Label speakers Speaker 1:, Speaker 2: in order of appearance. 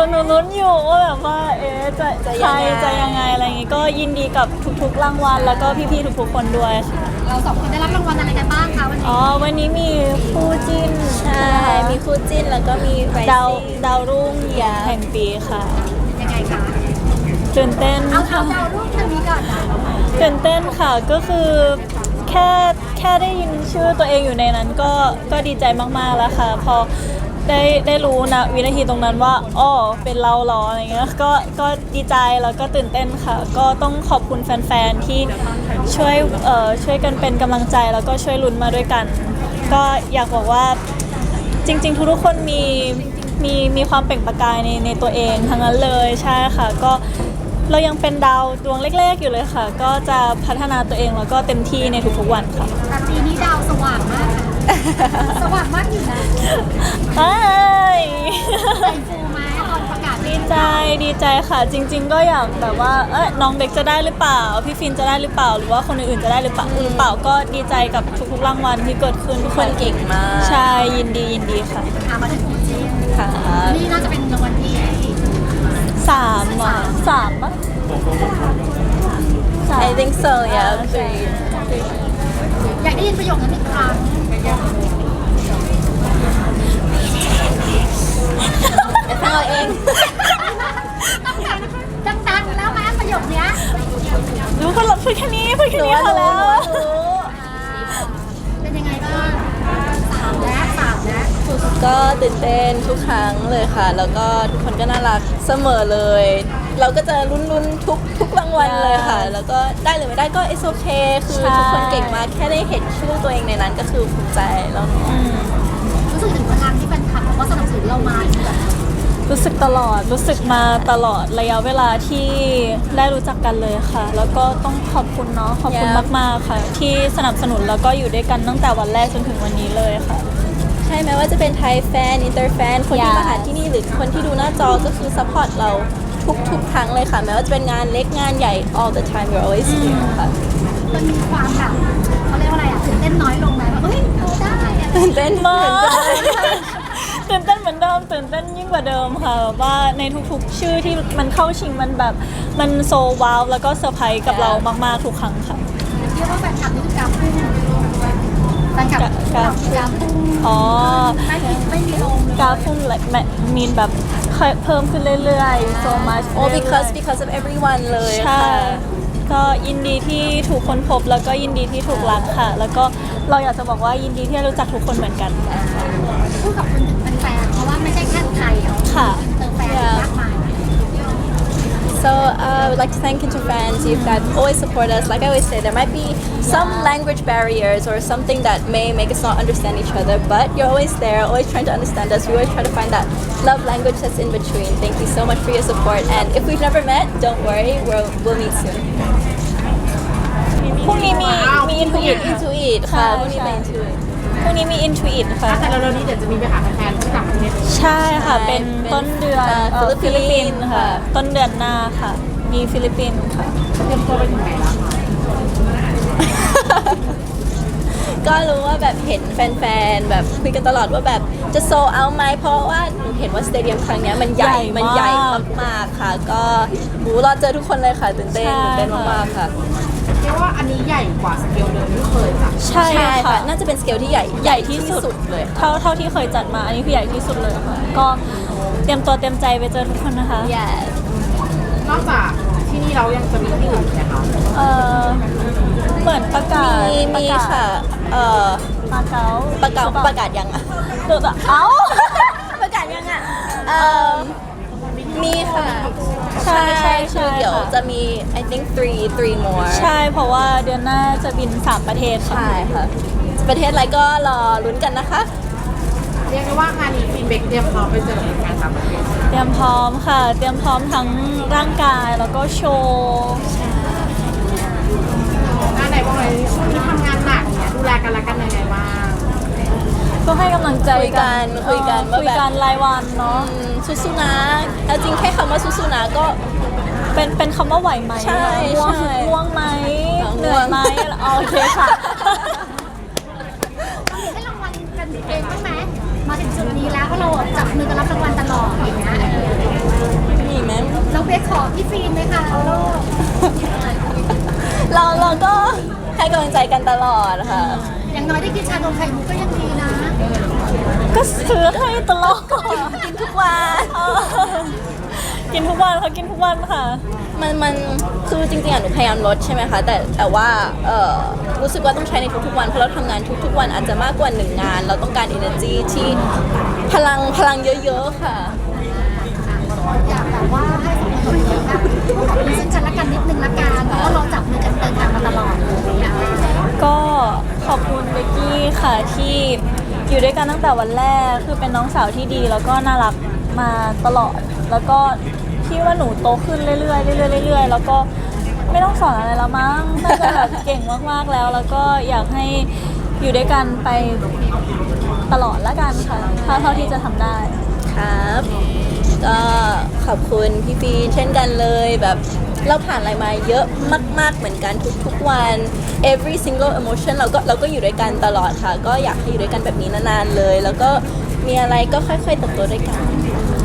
Speaker 1: หนูลุ้นอยู่ว่าแบบว่าจะใครจะยังไงอะไรอย่างงี้ก็ยินดีกับทุกๆรางวัลแล้วก็พี่ๆทุกๆคนด้วยค่ะ
Speaker 2: เราสองคนได้รับรางวัลอะไรกันบ้างคะวันนี้
Speaker 1: วันนี้มีคู่จิ้น
Speaker 3: ใช่มีคู่จิ้นแล้วก็มี
Speaker 1: ดาวรุ่งแห่งปีค่ะ
Speaker 2: ยังไงคะ
Speaker 1: ตื่นเต้น
Speaker 2: เอาดาวรุ่งทางนี้ก่อน
Speaker 1: ตื่นเต้นค่ะก็คือแค่ได้ยินชื่อตัวเองอยู่ในนั้นก็ดีใจมากๆแล้วค่ะพอได้รู้นะวินาทีตรงนั้นว่าอ๋อเป็นเราหรออะไรเงี้ยก็ดีใจแล้วก็ตื่นเต้นค่ะก็ต้องขอบคุณแฟนๆที่ช่วยกันเป็นกำลังใจแล้วก็ช่วยลุ้นมาด้วยกันก็อยากบอกว่าจริงๆทุกๆคนมีความเปล่งประกายในตัวเองทั้งนั้นเลยใช่ค่ะก็เรายังเป็นดาวดวงเล็กๆอยู่เลยค่ะก็จะพัฒนาตัวเองแล้วก็เต็มที่ในทุกๆวันค่ะ
Speaker 2: แต่ปีนี้ดาวสว่างมากสว่างมากอยู่นะ
Speaker 1: ใช่
Speaker 2: ใจฟูไหมตอนประกาศ
Speaker 1: ดีใจค่ะจริงๆก็อยากแบบว่าน้องเบคจะได้หรือเปล่าพี่ฟินจะได้หรือเปล่าหรือว่าคนอื่นๆจะได้หรือเปล่าก็ดีใจกับทุกๆรางวัลที่เกิดขึ้น
Speaker 3: ทุกคนเก่งมาก
Speaker 1: ใช่ยินดีค่ะ
Speaker 2: มาถึงคู่จิ้น
Speaker 3: ค่ะ
Speaker 2: นี่น่าจะเป็นรางวัลที่
Speaker 1: 3ป่ะ
Speaker 3: I think so yeah
Speaker 2: อยากได้ยินประโยคนั้นอีกครั้ง
Speaker 3: ฟังเอาเอง
Speaker 2: ดังๆแล้วไหมประโยคเนี้ย
Speaker 1: รู้คนพูดแค่นี้พอแล้ว
Speaker 2: เป็นยังไงบ้างสามนะ
Speaker 3: ก็ตื่นเต้นทุกครั้งเลยค่ะแล้วก็ทุกคนก็น่ารักเสมอเลยเราก็จะลุ้นทุกรางวัลเลยค่ะแล้วก็ได้หรือไม่ได้ก็ it's okay คือทุกคนเก่งมากแค่ได้เห็นชื่อตัวเองในนั้นก็คือภูมิใจแล้วเนาะ
Speaker 2: รู้สึกถึงพลังที่แฟนคลับเขาก็สนับสนุนเรามา
Speaker 1: รู้สึกมาตลอดระยะเวลาที่ได้รู้จักกันเลยค่ะแล้วก็ต้องขอบคุณขอบคุณมากๆค่ะที่สนับสนุนแล้วก็อยู่ด้วยกันตั้งแต่วันแรกจนถึงวันนี้เลยค่ะ
Speaker 3: ใช่ไหมว่าจะเป็นไทยแฟนอินเตอร์แฟนคนที่มาหาที่นี่หรือคนที่ดูหน้าจอก็คือซัพพอร์ตเราทุกครั้งเลยค่ะแม้ว่าจะเป็นงานเล็กงานใหญ่ all the time you're always here ค่ะ
Speaker 2: มันมีความแบบเขาเรียกว่าอะไรตื่นเต้นน้อยลงไหมแบบเฮ้ยได้
Speaker 1: ตื่นเต้นมากตื่นเต้นเหมือนเดิมตื่นเต้นยิ่งกว่าเดิมค่ะแบบว่าในทุกๆชื่อที่มันเข้าชิงมันแบบมันโซว้าวแล้วก็เซอร์ไพรส์กับเรามากๆทุกครั้งค่ะ
Speaker 2: เรียกว่าแฟนคลับนี่คือกราฟพุ่งแฟนคลับกราฟพุ่งไม่มีลง
Speaker 1: กราฟพุ่งมีแบบเพิ่มขึ้นเรื่อยๆ so much
Speaker 3: because of everyone เลย
Speaker 1: ค่ะก็ยินดีที่ถูกค้นพบแล้วก็ยินดีที่ถูกรักค่ะแล้วก็เราอยากจะบอกว่ายินดีที่รู้จักทุกคนเหมือนกัน
Speaker 2: พูดกับคุณถึงแฟนเพราะว่าไม่ใช่แค่ไทย
Speaker 1: ค่ะ
Speaker 2: เติมแฟนมากมาย
Speaker 3: So I would like to thank Inter fans. You guys always support us. Like I always say, there might be some language barriers or something that may make us not understand each other, but you're always there, always trying to understand us. We always try to find that love language that's in between. Thank you so much for your support. And if we've never met, don't worry, we'll meet soon.
Speaker 1: พรุ่งนี้มี
Speaker 3: Intuit ค่ะพรุ่งนี้เป็น Intuit
Speaker 1: พรุ่งนี้มี Intuit ค่ะ
Speaker 4: แต่เรานี้เดี๋ยวจะมีไปหาแฟนที่ต่างประเทศ
Speaker 1: ใช่ค่ะเป็นต้นเดือนฟิลิปปินส์ค่ะต้นเดือนหน้าค่ะมีฟิลิปปินส์ค่ะ
Speaker 4: เตรียมตัวไปถึงไหนแล้วคะ
Speaker 3: ก็รู้ว่าแบบเห็นแฟนๆแบบคุยกันตลอดว่าแบบจะโซเอาไหมเพราะว่าหนูเห็นว่าสเตเดียมครั้งนี้มันใหญ่มากๆค่ะก็รอเจอทุกคนเลยค่ะตื่นเต้นมากๆค่ะ
Speaker 4: เรียกว่าอันนี้ใหญ่กว่าสเกลเดิมที่เคยจัด
Speaker 1: ใช่ค่ะ
Speaker 3: น่าจะเป็นสเกลที่ใหญ่ที่สุดเลย
Speaker 1: เท่าที่เคยจัดมาอันนี้คือใหญ่ที่สุดเลยค่ะก็เตรียมตัวเตรียมใจไปเจอทุกคนนะคะ
Speaker 4: นอกจากที่นี่เรายังจะมีที่อื่นไหมคะ
Speaker 1: เหมือนประกาศ
Speaker 3: มีค่ะประกาศยังอ่ะ
Speaker 1: ตัว
Speaker 3: ประกาศยังอ่ะมีค่ะใช่คือเดี๋ยวจะมี I think three more
Speaker 1: ใช่เพราะว่าเดือนหน้าจะบิน3ประเทศค่ะ
Speaker 3: ใช่ค่ะประเทศอะไรก็รอลุ้นกันนะคะ
Speaker 4: เรียกได้ว่างานนี้ฟินเบกเตรียมพร้อมไปเจอแฟนต่างประเทศ
Speaker 1: เตรียมพร้อมค่ะเตรียมพร้อมทั้งร่างกายแล้วก็โชว์
Speaker 4: งานไหนบ้างเลยช่วงนี้ทำงานหนักเนี่ยดูแลกันและกันยังไงบ้าง
Speaker 1: ก็ให้กำลังใจ
Speaker 3: กันคุยกัน
Speaker 1: รายวันเนาะ
Speaker 3: สู้ๆนะแล้วจริงแค่คำว่าสู้ๆนะก็
Speaker 1: เป็นคำว่าไหวไหม
Speaker 3: ใช่
Speaker 1: ง่วงไหมเหนื่อยไหมโอเคค่ะ
Speaker 2: ให้รางวัลกันเองบ้างไหมมามาถึงจุดนี้แล้วเพราะเราจับมือกันรับรางวัลตลอดอย่างเงี้ย
Speaker 3: มีไหม
Speaker 2: เราเบสขอพี่ฟิล์มไหมคะลูก
Speaker 3: เราก็ให้กำลังใจกันตลอดค่ะ
Speaker 2: อย่างน้อยได้กินชานมไข่มุกก็ยังดีนะ
Speaker 1: ก็ซื้อให้ตลอด
Speaker 3: กินทุกวัน
Speaker 1: กินทุกวันเขากินทุกวันค่ะ
Speaker 3: มันคือจริงๆอ่ะหนูพยายามลดใช่ไหมคะแต่ว่ารู้สึกว่าต้องใช้ในทุกๆวันเพราะเราทำงานทุกๆวันอาจจะมากกว่า1 งาน เราต้องการ energy ที่พลังเยอะๆค่ะ
Speaker 2: อยากแบบว่าให้สองคนแบบขอบคุณซึ่งกันและกันนิดนึงละกันเพราะว่าเราจับมือกันเดินทางมาตลอดเลยอะ
Speaker 1: ก็ขอบคุณเบกกี้ค่ะที่อยู่ด้วยกันตั้งแต่วันแรกคือเป็นน้องสาวที่ดี แล้วก็น่ารักมาตลอด แล้วก็ที่ว่าหนูโตขึ้นเรื่อยๆเรื่อยๆเรื่อยๆแล้วก็ไม่ต้องสอนอะไรแล้วมั้งน่าจะแบบเก่งมากๆแล้ว แล้วก็อยากให้อยู่ด้วยกันไปตลอดละกันค่ะเท่าที่จะทำได้
Speaker 3: ครับก็ขอบคุณพี่ฟีนเช่นกันเลยแบบเราผ่านอะไรมาเยอะมากๆเหมือนกันทุกๆวัน every single emotion เราก็อยู่ด้วยกันตลอดค่ะ ก็อยากให้อยู่ด้วยกันแบบนี้นานๆเลย แล้วก็มีอะไรก็ค่อยๆเติบโตด้วยกัน